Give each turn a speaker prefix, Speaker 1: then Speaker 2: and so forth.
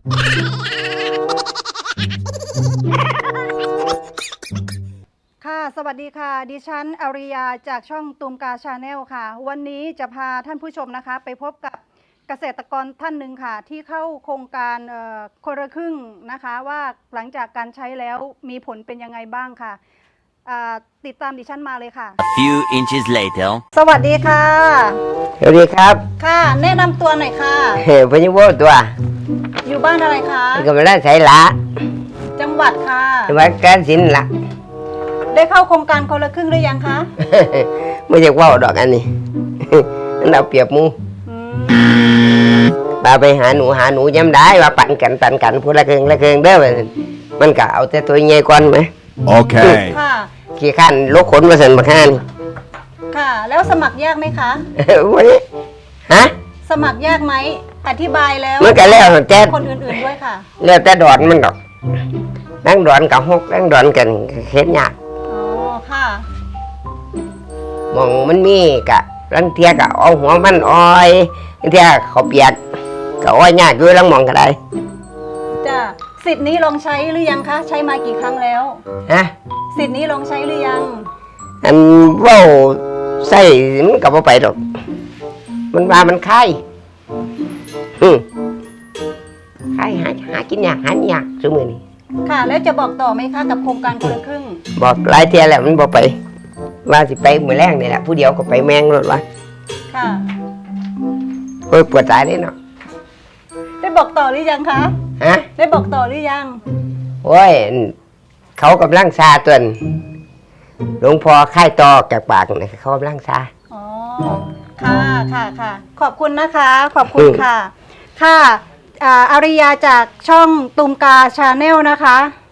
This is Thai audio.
Speaker 1: ค่ะสวัสดีค่ะดิฉันอาริยาจากช่องตูมกาชาแนลค่ะวันนี้จะพาท่านผู้ชมนะคะไปพบกับเกษตรกรท่านหนึ่งค่ะที่เข้าโครงการคนละครึ่งนะคะว่าหลังจากการใช้แล้วมีผลเป็นยังไงบ้างค่ะติดตามดิฉันมาเลยค่ะ
Speaker 2: Few inches later
Speaker 1: สวัสดีค่ะ
Speaker 3: สวัสดีครับ
Speaker 1: ค่ะแนะนำตัวหน่อยค่ะ
Speaker 3: พญโวตัว
Speaker 1: อยู่บ้านอะไรคะ
Speaker 3: ก็มาได้ใช้ละ
Speaker 1: จังหวัดค่ะ
Speaker 3: จังหวัดกาฬสินธุ์ละ
Speaker 1: ได้เข้าโครงการคนละครึ่งหรือยังคะ
Speaker 3: ไม่อยากว่าดอกอันนี้ อันเราเปรียบหมู
Speaker 1: อืม
Speaker 3: ปาไปหาหนูย้ำได้ว่าปั่นกันพูดละเคืองเด้อมันก็เอาแต่ตัวใหญ่ก่อนไหม
Speaker 2: Okay
Speaker 1: ค่ะ
Speaker 3: ขี้ข้านลกขนมาสั่นมาข้าน
Speaker 1: ค่ะ แล้วสมัครยากไหมคะ
Speaker 3: วันนี้ฮะ
Speaker 1: สมัครยากไหมอธิบายแล้ว
Speaker 3: มันก็แล้วแต่
Speaker 1: คนอื่นๆด้วยค่ะ
Speaker 3: แล้วแต่ดอนมันดอกนั่งดอนกับฮกนั่งดอนกันเฮ็ดยาก
Speaker 1: อ๋อ ค่ะ
Speaker 3: มองมันมีกะลังเทียกะเอาหัวมันอ้อยลังเทียเขาเปียกก็อ้อยยากอยู่ลังมองก็ได้
Speaker 1: จ้ะ สิทธิ์นี้ลองใช้หรือยังคะ ใช้มากี่ครั้งแล้ว
Speaker 3: ฮะ
Speaker 1: สิทธิ์นี้ลองใช้หรือยัง
Speaker 3: อันเว้าใส่มันก็บ่ไปดอกมันว่ามันคายคายหากินยากหายากซุมื้อนี้
Speaker 1: ค่ะ แล้วจะบอกต่อไหมคะกับโครงการคนละครึ่ง
Speaker 3: บอกหลายเที่ยแล้วมันบ่ไป ว่าสิไปมื้อแรงนี่แหละผู้เดียวก็ไปแมงรถวะ
Speaker 1: ค่ะ
Speaker 3: โอ้ยปวดตายเลยเนาะ
Speaker 1: ได้บอกต่อหรือยังคะ
Speaker 3: ฮะ
Speaker 1: ได้บอกต่อหรือยัง
Speaker 3: โอ้ยเขากำลังซาตัวนั้นหลวงพ่อค่ายตอจากปากนี่เขากำลังซา
Speaker 1: อ๋อ ค่ะค่ะ ขอบคุณนะคะ ขอบคุณค่ะ ค่ะอาริยาจากช่องตูมกาชาแนลนะคะ